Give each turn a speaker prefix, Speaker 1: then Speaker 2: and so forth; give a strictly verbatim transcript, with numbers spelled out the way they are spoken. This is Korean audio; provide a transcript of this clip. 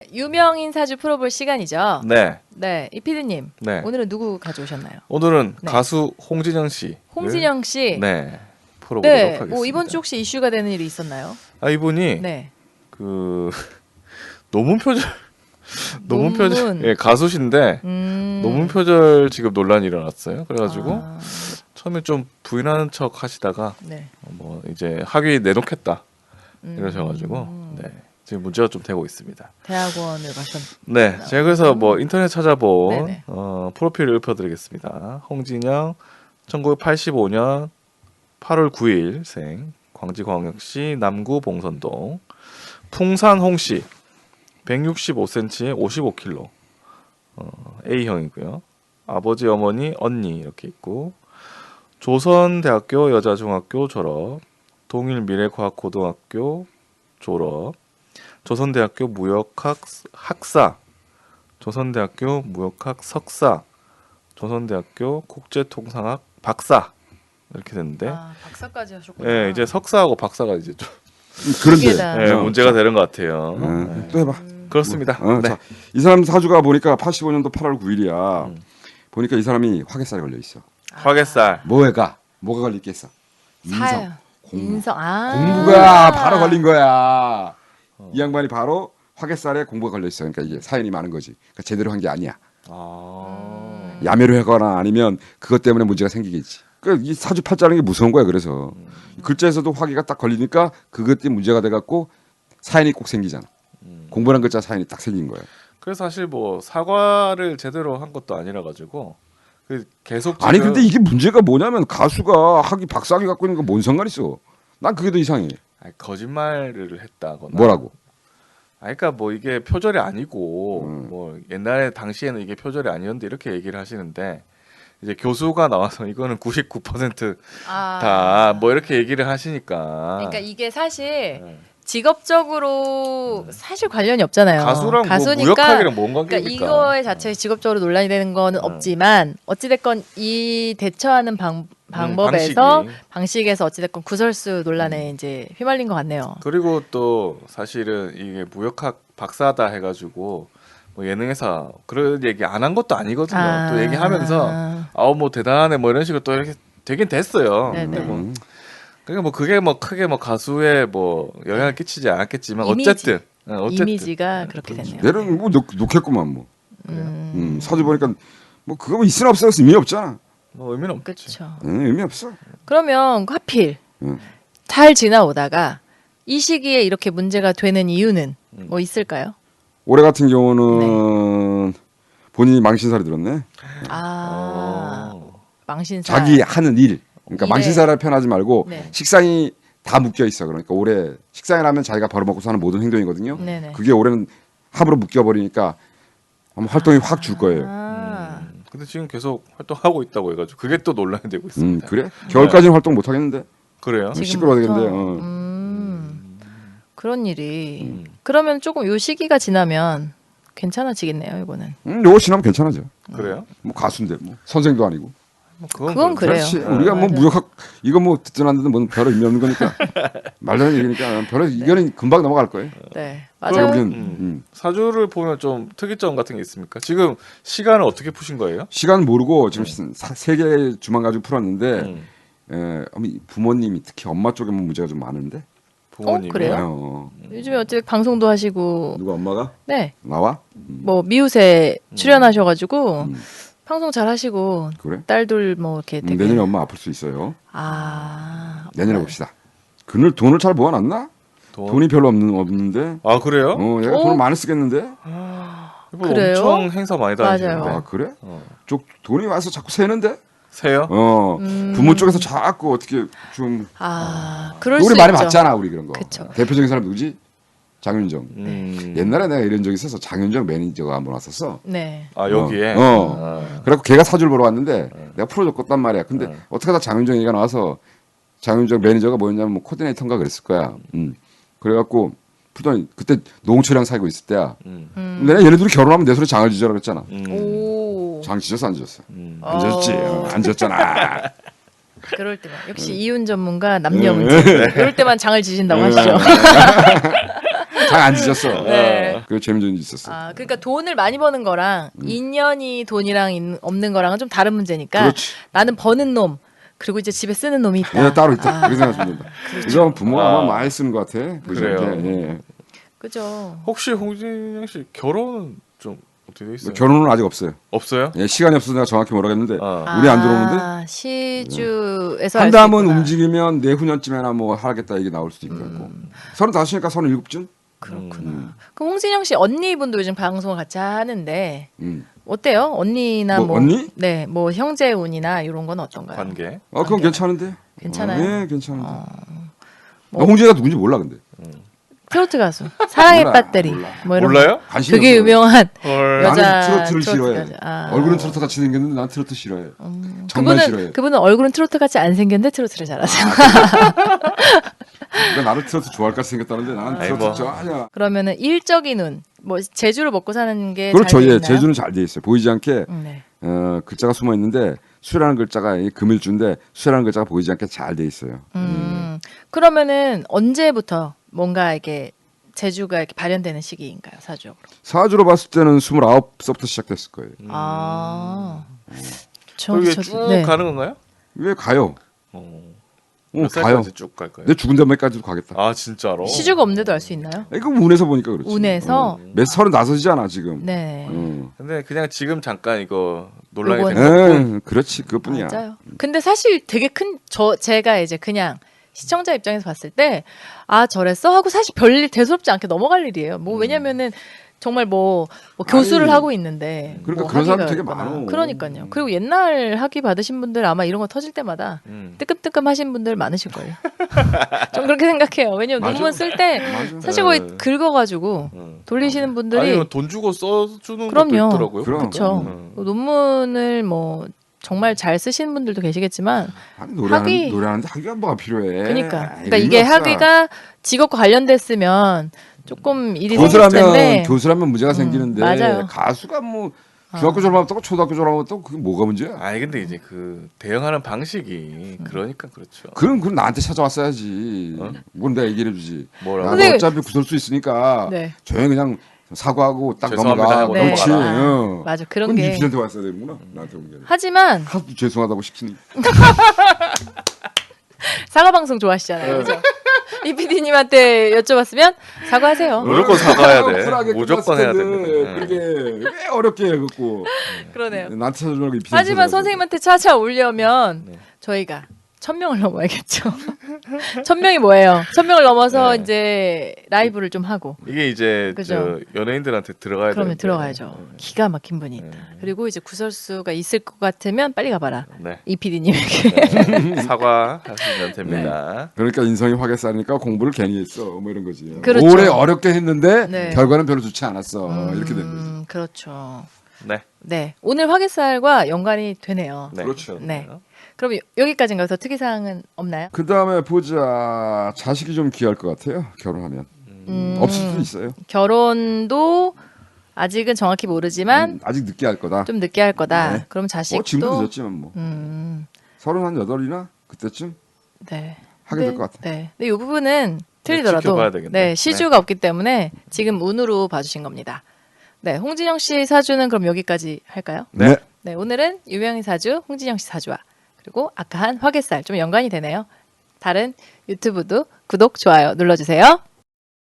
Speaker 1: 유명인 사주 풀어볼 시간이죠.
Speaker 2: 네.
Speaker 1: 네, 이 피디님.
Speaker 2: 네.
Speaker 1: 오늘은 누구 가져오셨나요?
Speaker 2: 오늘은
Speaker 1: 네.
Speaker 2: 가수 홍진영 씨.
Speaker 1: 홍진영 씨.
Speaker 2: 네. 풀어보도록
Speaker 1: 네.
Speaker 2: 하겠습니다.
Speaker 1: 뭐 이번 주 혹시 이슈가 되는 일이 있었나요?
Speaker 2: 아 이분이
Speaker 1: 네.
Speaker 2: 그 논문 표절 논문
Speaker 1: 논문.
Speaker 2: 표절 예, 가수신데
Speaker 1: 음.
Speaker 2: 논문 표절 지금 논란이 일어났어요. 그래가지고
Speaker 1: 아,
Speaker 2: 처음에 좀 부인하는 척 하시다가
Speaker 1: 네.
Speaker 2: 뭐 이제 학위 내놓겠다
Speaker 1: 음.
Speaker 2: 이러셔가지고 네. 지금 문제가 좀 되고 있습니다.
Speaker 1: 대학원을 가셨.
Speaker 2: 네, 제가 그래서 뭐 인터넷 찾아본
Speaker 1: 네네.
Speaker 2: 어, 프로필을 읊어드리겠습니다. 홍진영, 천구백팔십오 년 팔월 구일생, 광주광역시 남구 봉선동, 풍산 홍씨, 백육십오 센티미터에 오십오 킬로그램, 어, A형이고요. 아버지, 어머니, 언니 이렇게 있고, 조선대학교 여자중학교 졸업, 동일미래과학고등학교 졸업, 조선대학교 무역학 학사, 조선대학교 무역학 석사, 조선대학교 국제통상학 박사 이렇게 됐는데,
Speaker 1: 아, 박사까지 하셨구나.
Speaker 2: 예, 이제 석사하고 박사가 이제 좀
Speaker 1: 그게
Speaker 3: 그런데
Speaker 1: 다-
Speaker 2: 예,
Speaker 3: 어,
Speaker 2: 문제가 되는 것 같아요.
Speaker 3: 음,
Speaker 2: 예.
Speaker 3: 또 해봐.
Speaker 2: 그렇습니다.
Speaker 3: 어,
Speaker 2: 네.
Speaker 3: 자, 이 사람 사주가 보니까 팔십오 년도 팔월 구일이야.
Speaker 2: 음.
Speaker 3: 보니까 이 사람이 화개살에 걸려 있어.
Speaker 2: 화개살.
Speaker 3: 뭐가? 뭐가 걸려 있겠어?
Speaker 1: 사요.
Speaker 3: 인성, 공부.
Speaker 1: 인성. 아.
Speaker 3: 공부가 바로 걸린 거야. 이 양반이 바로 화개살에 공부가 걸려 있어. 그러니까 이게 사연이 많은 거지. 그러니까 제대로 한 게 아니야.
Speaker 2: 아.
Speaker 3: 야매를 하거나 아니면 그것 때문에 문제가 생기겠지. 그 이 사주 팔자라는 게 무서운 거야. 그래서 글자에서도 화기가 딱 걸리니까 그것 때문에 문제가 돼갖고 사연이 꼭 생기잖아. 공부란 글자 사연이 딱 생긴 거야.
Speaker 2: 그래서 사실 뭐 사과를 제대로 한 것도 아니라 가지고 그 계속
Speaker 3: 아니
Speaker 2: 지금-
Speaker 3: 근데 이게 문제가 뭐냐면 가수가 학위 박사학위 갖고 있는 거 뭔 상관 있어? 난 그게 더 이상해.
Speaker 2: 아니, 거짓말을 했다거나
Speaker 3: 뭐라고?
Speaker 2: 아니, 그러니까 뭐 이게 표절이 아니고
Speaker 3: 음.
Speaker 2: 뭐 옛날에 당시에는 이게 표절이 아니었는데 이렇게 얘기를 하시는데 이제 교수가 나와서 이거는 구십구 퍼센트
Speaker 1: 아.
Speaker 2: 다 뭐 이렇게 얘기를 하시니까
Speaker 1: 그러니까 이게 사실
Speaker 2: 네.
Speaker 1: 직업적으로 사실 관련이 없잖아요.
Speaker 2: 가수랑 뭐
Speaker 1: 가수니까
Speaker 2: 무역학이랑 뭔
Speaker 1: 그러니까
Speaker 2: 관계입니까?
Speaker 1: 이거에 자체 직업적으로 논란이 되는 거는
Speaker 2: 음.
Speaker 1: 없지만 어찌됐건 이 대처하는 방, 방법에서
Speaker 2: 방식이.
Speaker 1: 방식에서 어찌됐건 구설수 논란에 이제 휘말린 것 같네요.
Speaker 2: 그리고 또 사실은 이게 무역학 박사다 해가지고 뭐 예능에서 그런 얘기 안 한 것도 아니거든요.
Speaker 1: 아.
Speaker 2: 또 얘기하면서 아우 뭐 대단하네 뭐 이런 식으로 또 이렇게 되긴 됐어요.
Speaker 1: 네네.
Speaker 2: 근데 뭐
Speaker 3: 음.
Speaker 2: 그러니까 뭐 그게 뭐 크게 뭐 가수에 뭐 영향을 끼치지 않았겠지만
Speaker 1: 이미지.
Speaker 2: 어쨌든 어, 어쨌든
Speaker 1: 이미지가 그렇게 됐네요.
Speaker 3: 내는 뭐 놓, 놓겠구만 뭐.
Speaker 1: 음,
Speaker 3: 음, 사주 보니까 뭐 그거 뭐 있으나 없으나 의미 없잖아.
Speaker 2: 뭐 의미는 없겠지.
Speaker 1: 그렇죠.
Speaker 3: 응, 의미 없어.
Speaker 1: 그러면 하필
Speaker 3: 응.
Speaker 1: 잘 지나오다가 이 시기에 이렇게 문제가 되는 이유는
Speaker 2: 음.
Speaker 1: 뭐 있을까요?
Speaker 3: 올해 같은 경우는 본인이 망신살이 들었네.
Speaker 1: 아,
Speaker 2: 어.
Speaker 1: 망신살.
Speaker 3: 자기 하는 일. 그러니까
Speaker 1: 일에.
Speaker 3: 망신살을 표현하지 말고
Speaker 1: 네.
Speaker 3: 식상이 다 묶여 있어. 그러니까 올해 식상을 하면 자기가 벌어먹고 사는 모든 행동이거든요.
Speaker 1: 네네.
Speaker 3: 그게 올해는 합으로 묶여 버리니까 아마 활동이 확 줄 거예요.
Speaker 1: 아,
Speaker 2: 음, 근데 지금 계속 활동하고 있다고 해가지고 그게 또 논란이 되고
Speaker 3: 음,
Speaker 2: 있습니다.
Speaker 3: 그래? 겨울까지는 활동 못 하겠는데.
Speaker 2: 그래요?
Speaker 3: 지금 시끄러워 되겠는데,
Speaker 1: 지금부터?
Speaker 3: 어.
Speaker 1: 음, 그런 일이.
Speaker 2: 음.
Speaker 1: 그러면 조금 요 시기가 지나면 괜찮아지겠네요, 이거는.
Speaker 3: 음, 요거 지나면 괜찮아져.
Speaker 2: 그래요?
Speaker 3: 뭐 가수인데 뭐 선생도 아니고.
Speaker 2: 뭐 그건,
Speaker 1: 그건
Speaker 2: 그렇죠.
Speaker 1: 그래요.
Speaker 3: 그렇지.
Speaker 1: 어,
Speaker 3: 우리가 뭐
Speaker 1: 맞아.
Speaker 3: 무역학 이거 뭐 듣든 안 듣든 뭐 별로 의미 없는 거니까 말도 안 얘기니까 별로 이거는 금방 넘어갈 거예요.
Speaker 1: 네,
Speaker 3: 그러니까
Speaker 1: 맞아요.
Speaker 3: 우리는
Speaker 2: 음.
Speaker 3: 음.
Speaker 2: 사주를 보면 좀 특이점 같은 게 있습니까? 지금 시간을 어떻게 푸신 거예요?
Speaker 3: 시간 모르고 지금 세 개 주만 가지고 풀었는데
Speaker 2: 음.
Speaker 3: 에, 어머니, 부모님이 특히 엄마 쪽에 문제가 좀 많은데.
Speaker 2: 부모님이
Speaker 1: 어, 그래요?
Speaker 3: 어,
Speaker 1: 요즘에 어쨌든 방송도 하시고,
Speaker 3: 누가 엄마가
Speaker 1: 네,
Speaker 3: 나와?
Speaker 1: 뭐 미우새 출연하셔가지고
Speaker 3: 음.
Speaker 1: 방송 잘 하시고
Speaker 3: 그래?
Speaker 1: 딸들 뭐 이렇게
Speaker 3: 음,
Speaker 1: 되게
Speaker 3: 내년에 엄마 아플 수 있어요.
Speaker 1: 아
Speaker 3: 내년에 봅시다. 그늘 돈을 잘 모아놨나?
Speaker 2: 돈.
Speaker 3: 돈이 별로 없는 없는데.
Speaker 2: 아 그래요?
Speaker 3: 어, 얘가
Speaker 1: 어?
Speaker 3: 돈을 많이 쓰겠는데.
Speaker 2: 이분
Speaker 1: 그래요?
Speaker 2: 엄청 행사 많이 다니시는데.
Speaker 1: 맞아요.
Speaker 3: 아 그래?
Speaker 2: 어.
Speaker 3: 쪽 돈이 와서 자꾸 새는데.
Speaker 2: 세요?
Speaker 3: 어
Speaker 1: 음.
Speaker 3: 부모 쪽에서 자꾸 어떻게 좀
Speaker 1: 아, 그럴
Speaker 3: 우리
Speaker 1: 수
Speaker 3: 많이
Speaker 1: 있죠.
Speaker 3: 봤잖아 우리 그런 거.
Speaker 1: 그쵸.
Speaker 3: 대표적인 사람 누구지? 장윤정.
Speaker 2: 음.
Speaker 3: 옛날에 내가 이런 적이 있어서 장윤정 매니저가 한번 왔었어.
Speaker 1: 네.
Speaker 2: 아 여기에.
Speaker 3: 어. 어.
Speaker 2: 아.
Speaker 3: 그래갖고 걔가 사주를 보러 왔는데 내가 풀어줬단 말이야. 근데
Speaker 2: 네.
Speaker 3: 어떻게 하다 장윤정 얘기가 나와서 장윤정 매니저가 뭐였냐면 뭐 코디네이터인가 그랬을 거야. 음. 그래갖고 풀더니 그때 노홍철이랑 사귀고 있을 때야.
Speaker 2: 음.
Speaker 1: 음.
Speaker 3: 내가 얘네들이 결혼하면 내 소리 장을 지져라 그랬잖아.
Speaker 2: 음.
Speaker 1: 오.
Speaker 3: 장 지졌어 안 지졌어?
Speaker 2: 음.
Speaker 3: 안 지졌지.
Speaker 1: 어.
Speaker 3: 어, 안 지졌잖아.
Speaker 1: 그럴 때만 역시 이윤 전문가 남녀 문제. 이럴 때만 장을 지신다고 하시죠.
Speaker 3: 장 안 지졌어.
Speaker 1: 네.
Speaker 3: 그 재밌는 일이 있었어.
Speaker 1: 아, 그러니까 돈을 많이 버는 거랑 인연이 돈이랑 있는- 없는 거랑은 좀 다른 문제니까
Speaker 3: 그렇지.
Speaker 1: 나는 버는 놈 그리고 이제 집에 쓰는 놈이 있다.
Speaker 3: 얘 따로 있다.
Speaker 1: 아,
Speaker 3: 그렇게 생각하시면 된다. 이건 부모가
Speaker 2: 아.
Speaker 3: 아마 많이 쓰는 것 같아.
Speaker 2: 그래요.
Speaker 3: 예.
Speaker 1: 그죠.
Speaker 2: 혹시 홍진영 씨 결혼은 좀 어떻게 돼 있어요?
Speaker 3: 결혼은 아직 없어요.
Speaker 2: 없어요?
Speaker 3: 예, 시간이 없어서 내가 정확히 모르겠는데
Speaker 2: 아.
Speaker 3: 우리 안 들어오는데
Speaker 1: 아, 시주에서
Speaker 3: 한
Speaker 1: 알수
Speaker 3: 담은
Speaker 1: 있구나.
Speaker 3: 움직이면 내후년쯤에나 뭐 하겠다 얘기 나올 수도 있고.
Speaker 1: 음.
Speaker 3: 서른다섯이니까 서른일곱쯤.
Speaker 1: 그렇구나.
Speaker 3: 음.
Speaker 1: 그럼 홍진영 씨 언니분도 요즘 방송을 같이 하는데
Speaker 3: 음.
Speaker 1: 어때요? 언니나
Speaker 3: 뭐,
Speaker 1: 뭐,
Speaker 3: 언니?
Speaker 1: 네, 뭐 형제운이나 이런 건 어떤가요?
Speaker 2: 관계.
Speaker 3: 어, 그건
Speaker 1: 관계.
Speaker 3: 괜찮은데.
Speaker 1: 괜찮아요?
Speaker 3: 어, 예, 괜찮은데.
Speaker 1: 어,
Speaker 3: 나 홍진이가 누군지 몰라 근데.
Speaker 1: 트로트 가수 사랑의
Speaker 3: 몰라,
Speaker 1: 배터리
Speaker 3: 몰라.
Speaker 1: 뭐 이런
Speaker 2: 몰라요?
Speaker 1: 거.
Speaker 3: 관심이
Speaker 1: 그게
Speaker 3: 없어.
Speaker 1: 유명한
Speaker 2: 헐.
Speaker 1: 여자
Speaker 3: 나는 트로트를
Speaker 1: 트로트
Speaker 3: 싫어해.
Speaker 1: 가수. 아.
Speaker 3: 얼굴은 트로트 같이 생겼는데 난 트로트 싫어해.
Speaker 1: 음,
Speaker 3: 정말
Speaker 1: 그분은
Speaker 3: 싫어해.
Speaker 1: 그분은 얼굴은 트로트 같이 안 생겼는데 트로트를 잘하잖아.
Speaker 3: 그러니까 나를 트로트 좋아할 것 같이 생겼다는데 나는
Speaker 2: 아이,
Speaker 3: 트로트
Speaker 2: 뭐.
Speaker 3: 좋아하냐.
Speaker 1: 그러면은 일적인 운, 뭐 제주를 먹고 사는 게
Speaker 3: 그렇죠.
Speaker 1: 잘
Speaker 3: 예,
Speaker 1: 있나요?
Speaker 3: 제주는 잘 돼 있어요. 보이지 않게
Speaker 1: 음, 네.
Speaker 3: 어, 글자가 숨어 있는데 수라는 글자가 이 금일주인데 수라는 글자가 보이지 않게 잘 돼 있어요.
Speaker 1: 음, 그러면은 언제부터 뭔가 이게 제주가 이렇게 발현되는 시기인가요, 사주적으로?
Speaker 3: 사주로 봤을 때는 스물아홉 서부터 시작됐을 거예요.
Speaker 1: 아, 저,
Speaker 2: 그게
Speaker 1: 저-
Speaker 2: 쭉
Speaker 1: 네.
Speaker 2: 가는 건가요?
Speaker 3: 왜 가요?
Speaker 2: 어.
Speaker 3: 어,
Speaker 2: 몇
Speaker 3: 가요.
Speaker 2: 살까지 쭉 갈까요?
Speaker 3: 내 죽은 다음에까지도 가겠다.
Speaker 2: 아 진짜로?
Speaker 1: 시주가 없는데도 알 수 있나요?
Speaker 3: 이거 운에서 보니까 그렇지.
Speaker 1: 운에서?
Speaker 3: 어. 몇 서른다섯이잖아 지금.
Speaker 1: 네.
Speaker 3: 어.
Speaker 2: 근데 그냥 지금 잠깐 이거 논란이
Speaker 1: 요건-
Speaker 2: 된 거.
Speaker 3: 에, 그렇지 그것뿐이야.
Speaker 1: 맞아요. 근데 사실 되게 큰 저 제가 이제 그냥 시청자 입장에서 봤을 때 아 저랬어 하고 사실 별일 대수롭지 않게 넘어갈 일이에요. 뭐 왜냐면은 정말 뭐, 뭐 교수를
Speaker 3: 아니,
Speaker 1: 하고 있는데
Speaker 3: 그러니까
Speaker 1: 뭐
Speaker 3: 그런 사람이
Speaker 1: 학위가
Speaker 3: 되게
Speaker 1: 있거나.
Speaker 3: 많어.
Speaker 1: 그러니까요. 그리고 옛날 학위 받으신 분들 아마 이런 거 터질 때마다
Speaker 2: 음.
Speaker 1: 뜨끔뜨끔 하신 분들 많으실 거예요. 좀 그렇게 생각해요. 왜냐면
Speaker 3: 맞아.
Speaker 1: 논문 쓸 때
Speaker 3: 맞아.
Speaker 1: 사실 거의
Speaker 2: 네.
Speaker 1: 긁어가지고
Speaker 2: 음.
Speaker 1: 돌리시는 분들이
Speaker 2: 아니면 돈 주고 써주는
Speaker 1: 그럼요.
Speaker 2: 것도 있더라고요.
Speaker 3: 그럼.
Speaker 1: 그렇죠.
Speaker 2: 음.
Speaker 1: 논문을 뭐 정말 잘 쓰시는 분들도 계시겠지만
Speaker 3: 아니, 노래하는,
Speaker 1: 학위.
Speaker 3: 노래하는데 학위가 뭐가 필요해.
Speaker 1: 그러니까
Speaker 3: 아이,
Speaker 1: 그러니까 이게
Speaker 3: 의미 없어.
Speaker 1: 학위가 직업과 관련됐으면 조금 일이 생길
Speaker 3: 교수라면
Speaker 1: 텐데
Speaker 3: 교수라면 문제가 생기는데
Speaker 1: 맞아요.
Speaker 3: 가수가 뭐 중학교 졸업하고 초등학교 졸업하고 그게 뭐가 문제야?
Speaker 2: 아니 근데 이제 그 대응하는 방식이 그러니까 그렇죠.
Speaker 3: 그럼 그럼 나한테 찾아왔어야지.
Speaker 2: 어?
Speaker 3: 뭔 내가 얘기를 해주지.
Speaker 2: 뭐라고?
Speaker 3: 야, 너
Speaker 1: 선생님-
Speaker 3: 어차피 구설수 있으니까
Speaker 1: 네.
Speaker 3: 조용히 그냥 사과하고 딱
Speaker 2: 죄송합니다
Speaker 3: 넘어가.
Speaker 2: 하고
Speaker 3: 그렇지.
Speaker 2: 넘어가라.
Speaker 3: 어.
Speaker 1: 맞아 그런
Speaker 3: 그럼
Speaker 1: 게
Speaker 3: 이피디한테 왔어야 되는구나. 나한테 온 게. 아니라.
Speaker 1: 하지만
Speaker 3: 하도 죄송하다고 시키니.
Speaker 1: 사과 방송 좋아하시잖아요. 그죠? 이 피디님한테 여쭤봤으면 사과하세요.
Speaker 2: 무조건 사과해야 돼.
Speaker 3: 쿨하게
Speaker 2: 무조건 해야
Speaker 3: 끝났을 텐데
Speaker 2: 됩니다.
Speaker 3: 그게 왜 어렵게 해갖고
Speaker 1: 그러네요.
Speaker 3: 나한테 찾아주라고 이
Speaker 1: 하지만 선생님한테 찾아오려면
Speaker 2: 네.
Speaker 1: 저희가 천 명을 넘어야겠죠. 천 명이 뭐예요? 천 명을 넘어서
Speaker 2: 네.
Speaker 1: 이제 라이브를 좀 하고
Speaker 2: 이게 이제
Speaker 1: 그죠.
Speaker 2: 저 연예인들한테 들어가야
Speaker 1: 그러면
Speaker 2: 되는데.
Speaker 1: 들어가야죠. 기가 막힌 분이 있다. 그리고 이제 구설수가 있을 것 같으면 빨리 가봐라.
Speaker 2: 네.
Speaker 1: 이 피디님에게.
Speaker 2: 네. 사과하시면 됩니다.
Speaker 3: 그러니까 인성이 화게 쌓으니까 공부를 괜히 했어 뭐 이런 거지.
Speaker 1: 그렇죠.
Speaker 3: 오래 어렵게 했는데
Speaker 1: 네.
Speaker 3: 결과는 별로 좋지 않았어. 이렇게 된 거지.
Speaker 1: 음, 그렇죠.
Speaker 2: 네.
Speaker 1: 네. 오늘 화개살과 연관이 되네요.
Speaker 2: 네.
Speaker 3: 그렇죠.
Speaker 1: 네. 그럼 여- 여기까지인가요? 더 특이사항은 없나요?
Speaker 3: 그 다음에 보자. 자식이 좀 귀할 것 같아요. 결혼하면
Speaker 1: 음,
Speaker 3: 없을 수도 있어요.
Speaker 1: 결혼도 아직은 정확히 모르지만
Speaker 3: 음, 아직 늦게 할 거다.
Speaker 1: 좀 늦게 할 거다.
Speaker 3: 네.
Speaker 1: 그럼
Speaker 3: 뭐 지금도
Speaker 1: 자식도
Speaker 3: 늦었지만 뭐
Speaker 1: 음,
Speaker 3: 서른 한 여덟이나 그때쯤
Speaker 1: 네.
Speaker 3: 하게 될 것 같아.
Speaker 1: 네. 근데 이 부분은 틀리더라도
Speaker 2: 지켜봐야 되겠네.
Speaker 1: 네, 시주가 없기 때문에 지금 운으로 봐주신 겁니다. 네, 홍진영 씨 사주는 그럼 여기까지 할까요?
Speaker 3: 네.
Speaker 1: 네, 오늘은 유명인 사주 홍진영 씨 사주와 그리고 아까 한 화개살 좀 연관이 되네요. 다른 유튜브도 구독, 좋아요 눌러주세요.